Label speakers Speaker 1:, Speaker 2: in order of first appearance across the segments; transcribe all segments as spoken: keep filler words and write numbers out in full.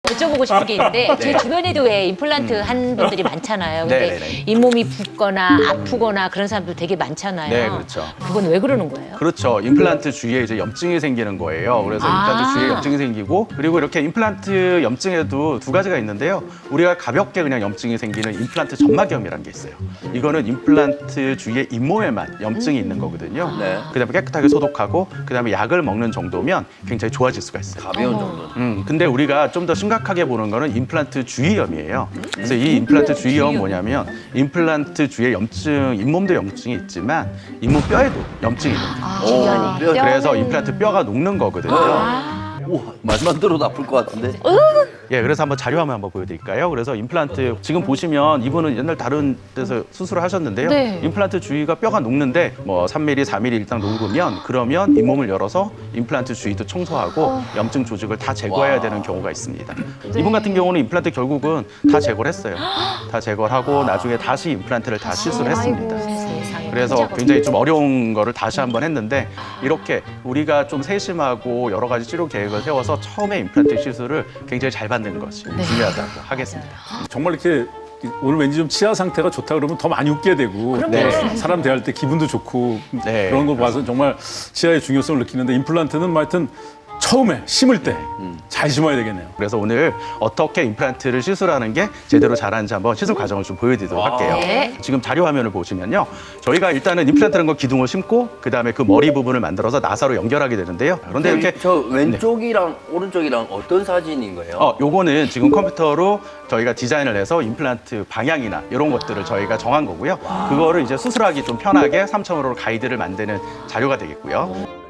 Speaker 1: 여쭤보고 싶은 게 있는데
Speaker 2: 네.
Speaker 1: 제 주변에도 왜 임플란트 한 분들이 많잖아요. 근데
Speaker 2: 네네네.
Speaker 1: 잇몸이 붓거나 아프거나 그런 사람들 되게 많잖아요.
Speaker 2: 네, 그렇죠.
Speaker 1: 그건 왜 그러는 거예요?
Speaker 2: 그렇죠. 임플란트 주위에 이제 염증이 생기는 거예요. 그래서
Speaker 1: 아.
Speaker 2: 임플란트 주위에 염증이 생기고 그리고 이렇게 임플란트 염증에도 두 가지가 있는데요. 우리가 가볍게 그냥 염증이 생기는 임플란트 점막염이라는 게 있어요. 이거는 임플란트 주위에 잇몸에만 염증이 있는 거거든요.
Speaker 3: 네.
Speaker 2: 그다음에 깨끗하게 소독하고 그다음에 약을 먹는 정도면 굉장히 좋아질 수가 있어요.
Speaker 3: 가벼운 정도.
Speaker 2: 음, 근데 우리가 좀 더 심각하게 보는 거는 임플란트 주위염이에요. 그래서 이 임플란트 주위염은 뭐냐면 임플란트 주위에 염증, 잇몸도 염증이 있지만 잇몸 뼈에도 염증이 있는 거예요.
Speaker 3: 오,
Speaker 1: 주변에.
Speaker 3: 뼈.
Speaker 2: 그래서 임플란트 뼈가 녹는 거거든요.
Speaker 3: 우와, 말만 들어도 아플 것 같은데.
Speaker 2: 예, 그래서 한번 자료 화면 한번 보여드릴까요? 그래서 임플란트 지금 보시면 이분은 옛날 다른 데서 수술을 하셨는데요.
Speaker 1: 네.
Speaker 2: 임플란트 주위가 뼈가 녹는데 뭐 삼 밀리미터, 사 밀리미터 일단 녹으면 그러면 잇몸을 열어서 임플란트 주위도 청소하고 염증 조직을 다 제거해야 되는 경우가 있습니다. 이분 같은 경우는 임플란트 결국은 다 제거를 했어요. 다 제거를 하고 나중에 다시 임플란트를 다 시술을 했습니다.
Speaker 1: 세상에.
Speaker 2: 그래서 굉장히 좀 어려운 거를 다시 한번 했는데 이렇게 우리가 좀 세심하고 여러 가지 치료 계획을 세워서 처음에 임플란트 시술을 굉장히 잘 받는 것이 중요하다고 하겠습니다.
Speaker 4: 정말 이렇게 오늘 왠지 좀 치아 상태가 좋다 그러면 더 많이 웃게 되고
Speaker 2: 네.
Speaker 4: 사람 대할 때 기분도 좋고
Speaker 2: 네.
Speaker 4: 그런 걸 봐서 정말 치아의 중요성을 느끼는데 임플란트는 뭐 하여튼 처음에 심을 때 잘 심어야 되겠네요.
Speaker 2: 그래서 오늘 어떻게 임플란트를 시술하는 게 제대로 잘하는지 한번 시술 과정을 좀 보여드리도록 할게요.
Speaker 1: 네.
Speaker 2: 지금 자료 화면을 보시면요. 저희가 일단은 임플란트라는 거 기둥을 심고 그다음에 그 머리 부분을 만들어서 나사로 연결하게 되는데요. 그런데 이렇게
Speaker 3: 저 왼쪽이랑 오른쪽이랑 어떤 사진인 거예요?
Speaker 2: 어, 요거는 지금 컴퓨터로 저희가 디자인을 해서 임플란트 방향이나 이런 것들을 저희가 정한 거고요. 그거를 이제 수술하기 좀 편하게 삼 점 오로 가이드를 만드는 자료가 되겠고요.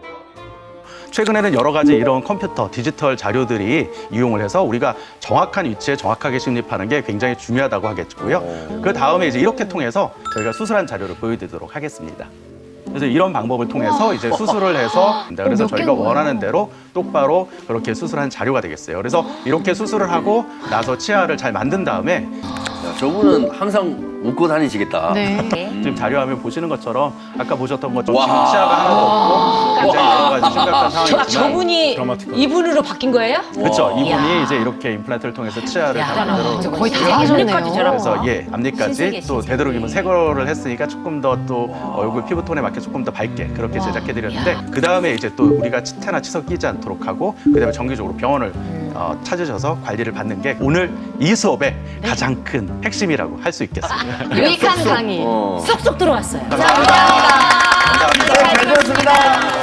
Speaker 2: 최근에는 여러 가지 이런 컴퓨터, 디지털 자료들이 이용을 해서 우리가 정확한 위치에 정확하게 침입하는 게 굉장히 중요하다고 하겠고요. 그 다음에 이제 이렇게 통해서 저희가 수술한 자료를 보여드리도록 하겠습니다. 그래서 이런 방법을 통해서 이제 수술을 해서 그래서 저희가 원하는 대로 똑바로 그렇게 수술한 자료가 되겠어요. 그래서 이렇게 수술을 하고 나서 치아를 잘 만든 다음에
Speaker 3: 야, 저분은 항상 웃고 다니시겠다.
Speaker 1: 네.
Speaker 2: 지금 자료 화면 보시는 것처럼 아까 보셨던 것처럼
Speaker 3: 와.
Speaker 2: 지금 치아가 하나도 없고 굉장히 여러 가지 심각한
Speaker 1: 아,
Speaker 2: 상황이지만
Speaker 1: 저분이
Speaker 4: 드라마틱하다.
Speaker 1: 이분으로 바뀐 거예요?
Speaker 2: 그렇죠. 이분이
Speaker 1: 야.
Speaker 2: 이제 이렇게 임플란트를 통해서 치아를 다
Speaker 1: 야,
Speaker 2: 만들어
Speaker 1: 거의 다 하셨네요.
Speaker 2: 그래서 예 앞니까지
Speaker 1: 신세계,
Speaker 2: 또
Speaker 1: 신세계.
Speaker 2: 되도록이면 새 거를 했으니까 조금 더 또 얼굴 피부톤에 맞게 조금 더 밝게 그렇게 제작해 드렸는데 그 다음에 이제 또 우리가 치태나 치석 끼지 않도록 하고 그 다음에 정기적으로 병원을 어, 찾으셔서 관리를 받는 게 오늘 이 수업의 가장 큰 핵심이라고 할 수 있겠습니다.
Speaker 5: 유익한 강의.
Speaker 3: 어.
Speaker 1: 쏙쏙 들어왔어요.
Speaker 2: 감사합니다.
Speaker 3: 네, 잘 들었습니다.